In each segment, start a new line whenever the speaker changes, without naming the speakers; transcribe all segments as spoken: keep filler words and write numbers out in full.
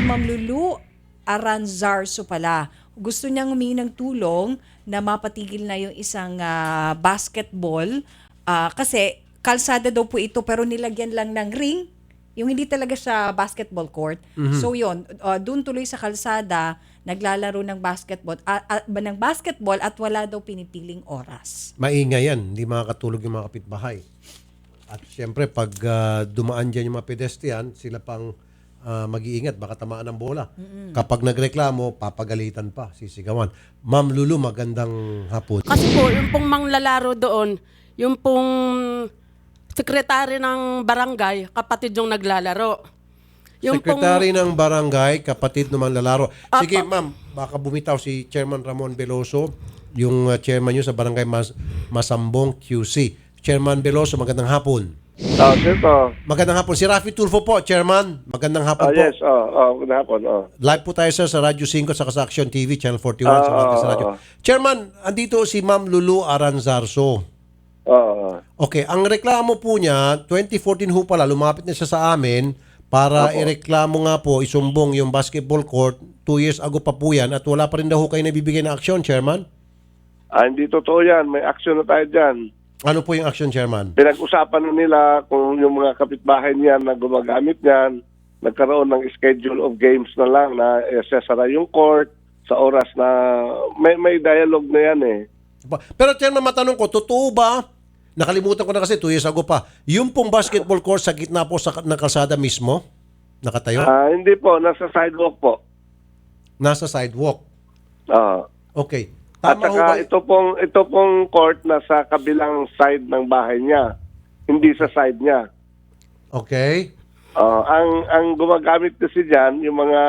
Ma'am Lulu Aranzarso pala. Gusto niyang humingi ng tulong na mapatigil na yung isang ah, basketball ah, kasi kalsada daw po ito pero nilagyan lang ng ring. Yung hindi talaga siya basketball court. So yun, uh, doon tuloy sa kalsada, naglalaro ng basketball, uh, uh, ng basketball at wala daw pinipiling oras.
Maingay yan, hindi makakatulog yung mga kapitbahay. At siyempre, pag ah, dumaan dyan yung mga pedestrian, sila pang ah, mag-iingat, baka tamaan ng bola. Kapag nagreklamo, papagalitan pa, sisigawan. Ma'am Lulu, magandang hapon.
Kasi po, yung pong manglalaro doon, yung pong sekretary ng barangay, kapatid yung naglalaro. Yung
Sekretary
pong,
ng barangay, kapatid naman lalaro.
Apa.
Sige, ma'am, baka bumitaw si Chairman Ramon Veloso, yung uh, chairman nyo sa barangay Mas Masambong Q C. Chairman Veloso, magandang hapon.
Ah, sir po.
Magandang hapon. Si Rafi Tulfo po, Chairman. Magandang hapon
Ah,
po.
yes, oh, oh, good hapon, oh.
Live po tayo sir sa Radyo cinco sa Action T V, Channel forty-one sa
Ah,
Martes
ah,
Radio.
ah.
Chairman, andito si Ma'am Lulu Aranzarso.
Oh,
Okay, ang reklamo po niya, twenty fourteen ho pala, lumapit na siya sa amin para
Apo.
ireklamo nga po, isumbong yung basketball court. Two years ago pa po yan at wala pa rin daw ho kayo nabibigay na aksyon, Chairman.
ah, hindi totoo yan. May action na tayo dyan.
Ano po yung action, Chairman?
Pinag-usapan na nila kung yung mga kapitbahay niyan na gumagamit niyan, nagkaroon ng schedule of games na lang na eh, sasara yung court sa oras na may may dialogue na yan eh.
Pero Chairman, matanong ko, totoo ba? Nakalimutan ko na kasi two years ago pa. Yung pong basketball court sa gitna po sa, ng kalsada mismo? Nakatayo?
Ah, hindi po, nasa sidewalk po.
Nasa sidewalk.
Ah.
Okay.
At
Tama ho
saka
ba?
ito pong ito pong court na sa kabilang side ng bahay niya, hindi sa side niya.
Okay.
Ah, ang ang gumagamit kasi diyan yung mga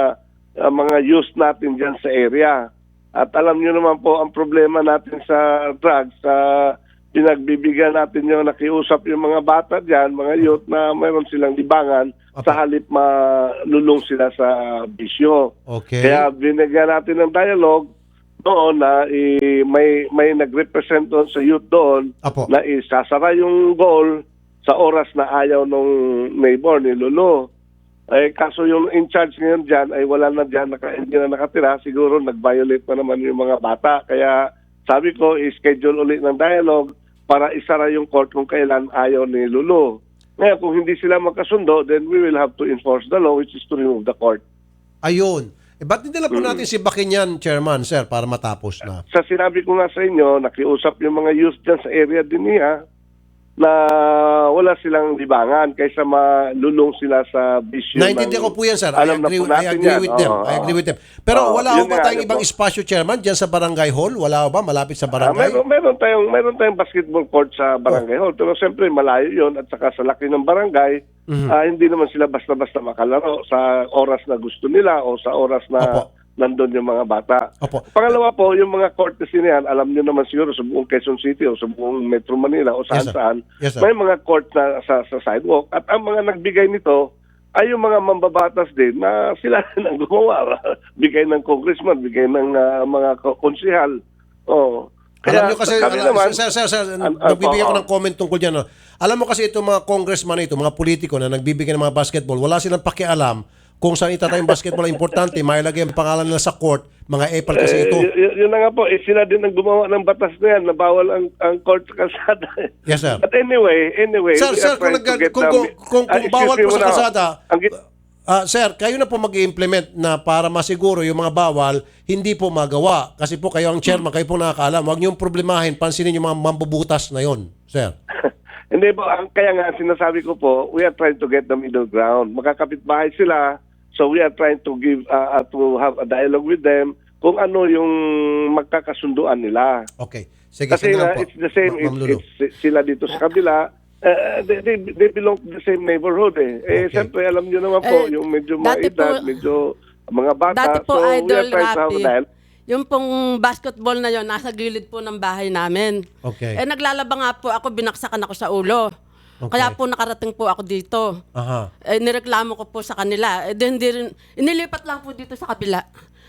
ah, mga youth natin diyan sa area. At alam niyo naman po ang problema natin sa drugs sa pinagbibigyan natin yung nakiusap yung mga bata diyan, mga youth na mayroon silang libangan
Apa.
sa halip malulong sila sa bisyo.
Okay.
Kaya binigyan natin ng dialogue doon na i, may may nag-represent doon sa youth doon
Apo.
na isasara yung goal sa oras na ayaw nung neighbor ni Lolo. Eh, kaso yung in charge ngayon dyan ay wala na dyan, naka, hindi na nakatira. Siguro nag-violate pa naman yung mga bata. Kaya sabi ko, i-schedule ulit ng dialogue para isara yung court kung kailan ayaw ni Lolo. Ngayon, kung hindi sila magkasundo, then we will have to enforce the law, which is to remove the court.
Ayun. Eh, ba't hindi lang po natin si Bakinyan, Chairman, sir, para matapos na?
Sa sinabi ko nga sa inyo, nakiusap yung mga youth dyan sa area din niya na wala silang libangan kaysa malulong sila sa bisyo.
Naintindihan ko po yan, sir. I
Alam na
agree,
po
I
natin
agree
yan.
with them.
Oo,
I
oo.
agree with them. Pero
Oo,
wala ho
yun
ba
nga,
tayong
yun
ibang
po.
espasyo, Chairman, dyan sa barangay hall? Wala ho ba? Malapit sa
Ah,
barangay?
meron, meron tayong meron tayong basketball court sa barangay hall, pero siyempre malayo 'yon at saka sa laki ng barangay,
Mhm.
ah, hindi naman sila basta-basta makalaro sa oras na gusto nila o sa oras na
Opo.
nandun yung mga bata.
Opo.
Pangalawa po, yung mga court kasi niyan, alam niyo naman siguro sa buong Quezon City o sa buong Metro Manila o
Yes, sir.
saan-saan,
Yes, sir.
may mga court na sa, sa sidewalk. At ang mga nagbigay nito ay yung mga mambabatas din na sila rin ang gumawa. Bigay ng congressman, bigay ng ah, mga ko- konsihal. Oh.
Alam nyo kasi,
kami
ala-
naman,
sir, sir, sir,
An- an-
nagbibigay ako
oo.
ng comment tungkol dyan. No? Alam mo kasi itong mga congressman ito, mga politiko na nagbibigay ng mga basketball, wala silang pakialam kung saan itatay yung basketball. Importante, mailagay ang pangalan nila sa court, mga epal kasi
Eh,
ito.
y- y- yun na nga po, eh, sila din ang gumawa ng batas na yan na bawal ang, ang court sa kalsada.
Yes, sir.
But anyway, anyway,
Sir,
we
sir,
are
kung,
trying to
nag-
get
kung,
the-
kung, kung,
Ah,
kung
excuse
bawal
me
po sa
muna.
kalsada,
Ang git-
ah, sir, kayo na po mag-i-implement na para masiguro yung mga bawal, hindi po magawa. Kasi po kayo ang chairman, kayo po nakakaalam. Huwag niyong problemahin, pansinin yung mga mambubutas na yon, sir.
Hindi po, ang, kaya nga sinasabi ko po, we are trying to get the middle ground. Magkakapit-bahay sila, so we are trying to give, uh, uh, to have a dialogue with them kung ano yung magkakasunduan nila.
Okay. Sige,
Kasi
sige lang
nga,
po.
it's the same,
Ma- Ma'am
it's,
Lulu.
it's sila dito sa kabila, uh, they, they, they belong to the same neighborhood eh. Eh,
Okay.
siyempre, alam nyo naman po,
Eh,
yung medyo
dati
maedad,
po-
medyo mga bata.
dati po,
so, we
Idol
are trying to have a
Rapi,
dialogue.
yung pong basketball na yon nasa gilid po ng bahay namin.
Okay.
Eh, naglalaba nga po ako, binaksakan ako sa ulo.
Okay.
Kaya po nakarating po ako dito.
Aha.
Eh, nireklamo ko po sa kanila. Eh, di, hindi rin, inilipat lang po dito sa kabila.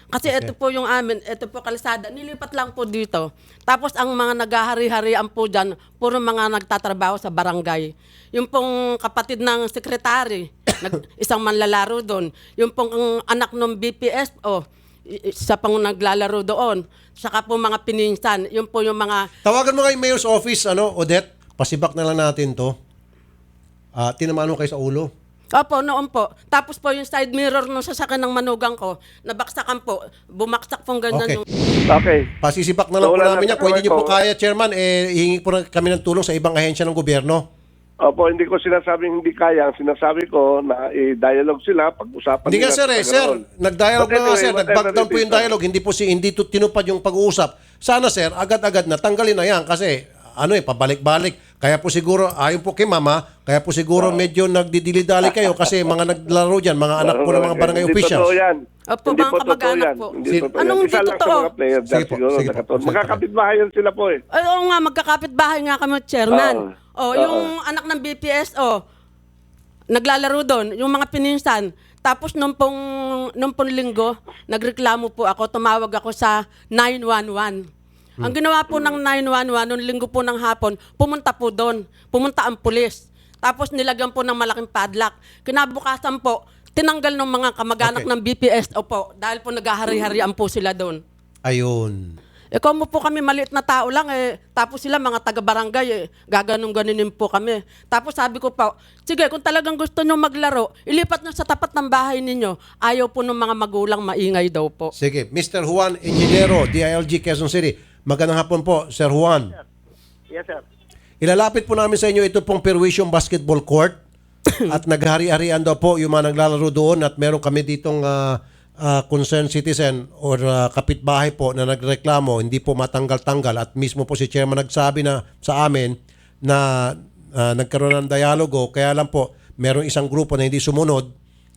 Kasi
Okay.
ito po yung amin, ito po kalsada, nilipat lang po dito. Tapos ang mga naghahari-harian po dyan, puro mga nagtatrabaho sa barangay. Yung pong kapatid ng sekretary, nag, isang manlalaro doon. Yung pong ang anak ng B P S O, i- isa pang naglalaro doon. Saka po mga pininsan, yun po yung mga
Tawagan mo kay Mayor's Office, ano, Odette. Pasibak na lang natin to. Ah, tinamaan mo kayo sa ulo.
Opo, noon po. Tapos po yung side mirror nung sasakyan ng manugang ko, nabaksakan po. Bumaksak pong ganyan
Okay.
yung...
Okay.
Pasisibak na lang
So,
po
wala
namin
na
yan. Kung hindi niyo po
ko.
kaya, Chairman, eh, hihingi po na kami ng tulong sa ibang ahensya ng gobyerno.
Opo, hindi ko sinasabing hindi kaya. Ang sinasabi ko na i-dialogue sila, pag-usapan
Hindi nga
nila
sir eh,
sa
sir,
ganoon.
nag-dialogue
But
na nga
anyway,
sir,
whatever
nag-back down
it
po
is,
yung dialogue, hindi po si hindi to, tinupad yung pag-uusap. Sana sir, agad-agad na tanggalin na yan kasi ano eh, pabalik-balik. Kaya po siguro, ayon po kay mama, kaya po siguro medyo nagdidili-dali kayo kasi mga naglaro dyan, mga anak po ng mga barangay
Hindi
officials.
totoo yan.
Opo,
Hindi
mga
po totoo
kamag-anak
yan.
po.
Hindi
Si-
totoo
Anong
yan.
hindi
Isa lang sa
totoo?
mga player dyan
Sige po,
siguro.
sige po.
nakatulog.
Sige po.
Magkakapit-bahay yan sila po eh.
Ay, oo nga, magkakapit bahay nga kami, Chairman.
Oo.
Oh, yung anak ng B P S O, naglalaro doon, yung mga pininsan. Tapos nung pong, nung pong linggo, nagreklamo po ako, tumawag ako sa nine one one. Ang ginawa po ng nine one one, nung linggo po ng hapon, pumunta po doon. Pumunta ang pulis. Tapos nilagyan po ng malaking padlock. Kinabukasan po, tinanggal ng mga kamag-anak
Okay.
ng B P S O po dahil po naghahari-harian po sila doon.
Ayun.
Eh kung mo po kami maliit na tao lang eh, tapos sila mga taga-barangay eh, gaganong-ganinin po kami. Tapos sabi ko pa, sige kung talagang gusto nyo maglaro, ilipat nyo sa tapat ng bahay ninyo. Ayaw po ng mga magulang maingay daw po.
Sige, Mister Juan Enginero, D I L G Quezon City. Magandang hapon po, Sir Juan.
Yes, sir.
Ilalapit po namin sa inyo ito pong Perwisyong Basketball Court at naghari-harian daw po yung mga naglalaro doon at meron kami ditong ah, ah, concerned citizen or ah, kapitbahay po na nagreklamo, hindi po matanggal-tanggal at mismo po si Chairman nagsabi na sa amin na ah, nagkaroon ng dialogo kaya lang po meron isang grupo na hindi sumunod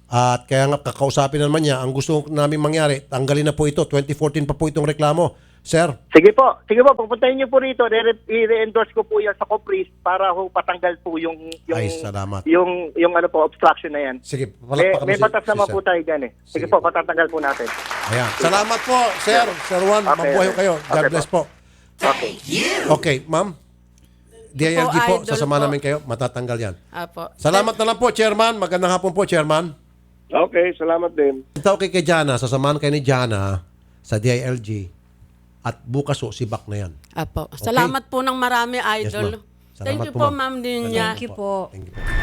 at kaya nga kakausapin naman niya ang gusto namin mangyari, tanggalin na po ito, twenty fourteen pa po itong reklamo. Sir,
Sige po. Sige po, pupuntahin niyo po rito. Re- I-re-endorse ko po yan sa Copris para ho patanggal po yung yung
Ay, salamat.
yung yung ano po obstruction na yan.
sige,
May,
palakpakan mo
may
si-
batas
si
naman
Sir.
po tayo dyan eh. Sige,
Sige
po, patatanggal po natin.
Ayan. Salamat po, Sir. Sir Juan,
Okay,
mabuhay
okay.
kayo. God
Okay
bless po.
Okay.
Okay, ma'am. D I L G po,
idol
sasama
po.
namin kayo. Matatanggal yan.
Apo.
Salamat na lang po, Chairman. Magandang hapon po, Chairman.
Okay, salamat din.
Ito kay kay Jana, sasamahan kayo ni Jana sa D I L G at bukas o sibak na yan.
Apo. Salamat po ng marami, idol.
ma'am. Salamat
Thank you
po,
po,
ma'am.
ma'am Dinya.
Thank you po.
Thank you po.